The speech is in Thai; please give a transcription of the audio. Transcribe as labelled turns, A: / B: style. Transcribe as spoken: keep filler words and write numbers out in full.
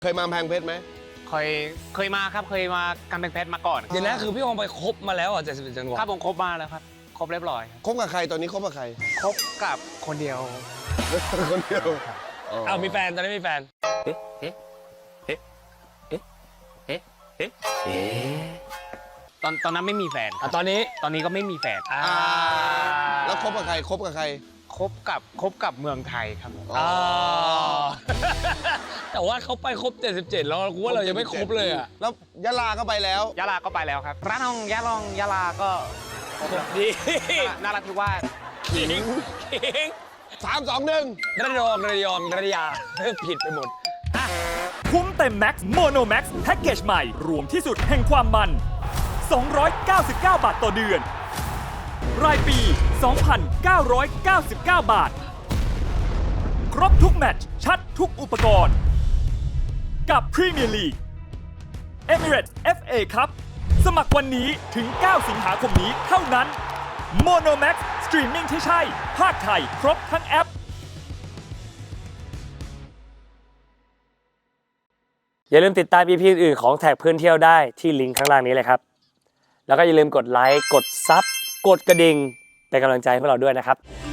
A: เคยมาแพงเพชรไหม
B: เคยเคยมาครับเคยมากำแพงเพชรมาก่อน
C: เดี๋ยวนะคือพี่ฮองไปครบมาแล้วอ่ะเจ็ดสิบเอ็ดจังหวัด
B: ครับผมครบมาแล้วครับครบเรียบร้อย
A: คบกับใครตอนนี้คบกับใคร
B: ครบกับคนเดียว
A: คนเดียว
C: อ้าวมีแฟนตอนนี้มีแฟน
D: เอ๊ะเอ๊ะเอ๊ะเอ๊ะเอ๊ะเอ๊ะเอ๊ะ
B: ตอนตอนนั้นไม่มีแฟน
C: อ่ะตอนนี้
B: ตอนนี้ก็ไม่มีแฟน
C: อ่า
A: แล้วคบกับใครคบกับใคร
B: คบกับคบกับเมืองไทยครับ
C: อ๋อแต่ว่าเขาไปครบเจ็ดสิบเจ็ดแล้วกูว่าเรายังไม่ครบเลยอ่ะ
A: แล้วยะลาก็ไปแล้ว
B: ยะลาก็ไปแล้วครับร้านทองยะลองยะลาก็
C: ดี
B: น่ารักที่ว่า
C: ขิงขิง
A: สามสองหนึ่ง
C: ระยองระยองระยาผิดไปหมด
E: คุ้มเต็มแม็กซ์โมโนแม็กซ์แพ็กเกจใหม่รวมที่สุดแห่งความมันสองร้อยเก้าสิบเก้าบาทต่อเดือนรายปี สองพันเก้าร้อยเก้าสิบเก้า บาทครบทุกแมตช์ชัดทุกอุปกรณ์กับพรีเมียร์ลีก Emirates เอฟ เอ ครับสมัครวันนี้ถึง เก้า สิงหาคมนี้เท่านั้น Monomax สตรีมมิ่งที่ใช่ภาคไทยครบทั้งแอป
F: อย่าลืมติดตาม อี พี อื่นๆของแท็กเพื่อนเที่ยวได้ที่ลิงก์ข้างล่างนี้เลยครับแล้วก็อย่าลืมกดไลค์กดซับกดกระดิ่งเป็นกำลังใจให้พวกเราด้วยนะครับ